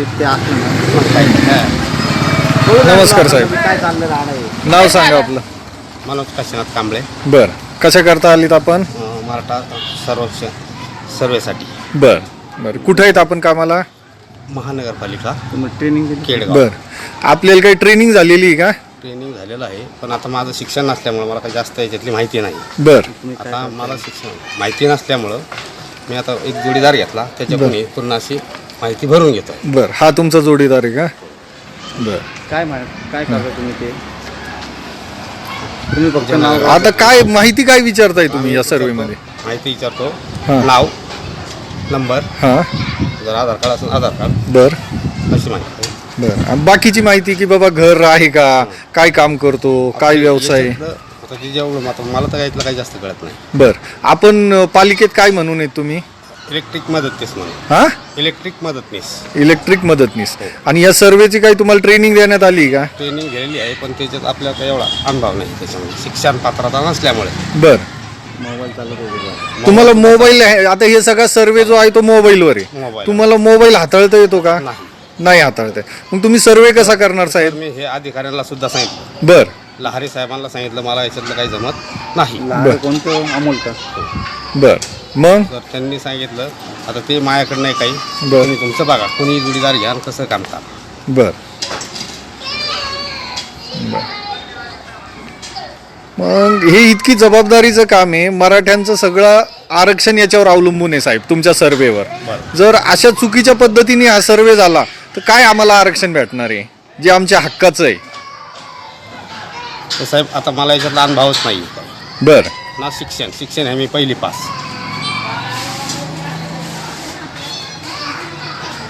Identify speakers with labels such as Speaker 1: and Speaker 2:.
Speaker 1: ते असलं ना मग काही नाही.
Speaker 2: नमस्कार साहेब.
Speaker 1: काय चाललं राहणार
Speaker 2: नाव सांगा आपलं.
Speaker 3: मनोज काशीनाथ कांबळे.
Speaker 2: बर, कशा करता आलीत आपण?
Speaker 3: मराठा सर्वेसाठी.
Speaker 2: बर बर, कुठे आहेत आपण कामाला?
Speaker 3: महानगरपालिका
Speaker 1: तुम्ही ट्रेनिंग दिली?
Speaker 3: केडगाव.
Speaker 2: बर, आपल्याला काही ट्रेनिंग झालेली आहे का?
Speaker 3: ट्रेनिंग झालेलं आहे, पण आता माझं शिक्षण नसल्यामुळं मला काही जास्त याच्यातली माहिती नाही.
Speaker 2: बर
Speaker 3: आता मला शिक्षण माहिती नसल्यामुळं मी आता एक जोडीदार घेतला, त्याच्याकडून पूर्ण अशी माहिती भरून घेतो.
Speaker 2: बर, हा तुमचा जोडीदार आहे का? बर,
Speaker 1: काय करता तुम्ही ते? तुम्ही फक्त नाव
Speaker 2: आता काय माहिती काय विचारताय तुम्ही या सर्वे मध्ये?
Speaker 3: माहिती विचारतो.
Speaker 2: हां.
Speaker 3: नाव, नंबर,
Speaker 2: हां.
Speaker 3: जर आधार कार्ड असेल आधार कार्ड,
Speaker 2: बर
Speaker 3: अशी माहिती.
Speaker 2: बर, आणि बाकीची माहिती की बाबा घर आहे का, काय काम करतो, काय व्यवसाय?
Speaker 3: आता ते जेवढं आता मला तर यातलं काही जास्त कळत नाही.
Speaker 2: बर, आपण पालिकेत काय म्हणून आहेत तुम्ही?
Speaker 3: इलेक्ट्रिक मदतनीस म्हणून.
Speaker 2: हा,
Speaker 3: इलेक्ट्रिक मदतनीस
Speaker 2: इलेक्ट्रिक मदतनीस. आणि या सर्वेची काही तुम्हाला ट्रेनिंग देण्यात आली का?
Speaker 3: ट्रेनिंग घेतलेली आहे, पण त्याच्यात आपल्याला काही एवढा अनुभव नाही त्याच्यामध्ये, शिक्षण पात्रता नसल्यामुळे.
Speaker 2: बर,
Speaker 1: मोबाईल चालत होते.
Speaker 2: तुम्हाला मोबाईल आहे, आता हे सगळा सर्वे जो आहे तो मोबाईलवर आहे.
Speaker 3: मोबाईल.
Speaker 2: तुम्हाला मोबाईल हाताळता येतो का?
Speaker 3: नाही.
Speaker 2: नाही हाताळता येत. मग तुम्ही सर्वे कसा करणार
Speaker 3: तर
Speaker 2: साहेब?
Speaker 3: मी हे अधिकाऱ्यांना सुद्धा सांगितलं,
Speaker 2: बर
Speaker 3: लहारी साहेबांना सांगितलं, मला याच्यातलं काही जमत नाही.
Speaker 1: लहान कोणतं अमोल का?
Speaker 2: बर, मग
Speaker 3: तर त्यांनी सांगितलं आता ते माझ्याकडे नाही काही,
Speaker 2: बर.
Speaker 3: तुम्ही तुमचं बघा, कोणी जोडीदार घ्या आणि कसं काम करा.
Speaker 2: बर बर. मग हे इतकी जबाबदारीचं काम आहे, मराठ्यांचं सगळं आरक्षण याच्यावर अवलंबून आहे साहेब, तुमच्या सर्वेवर.
Speaker 3: बरं.
Speaker 2: जर अशा चुकीच्या पद्धतीने हा सर्वे झाला तर काय आम्हाला आरक्षण भेटणार आहे जे आमच्या हक्काचं आहे?
Speaker 3: तर साहेब आता मला याच्यातला अनुभवच नाही.
Speaker 2: बर
Speaker 3: ना शिक्षण हे मी पहिली पास.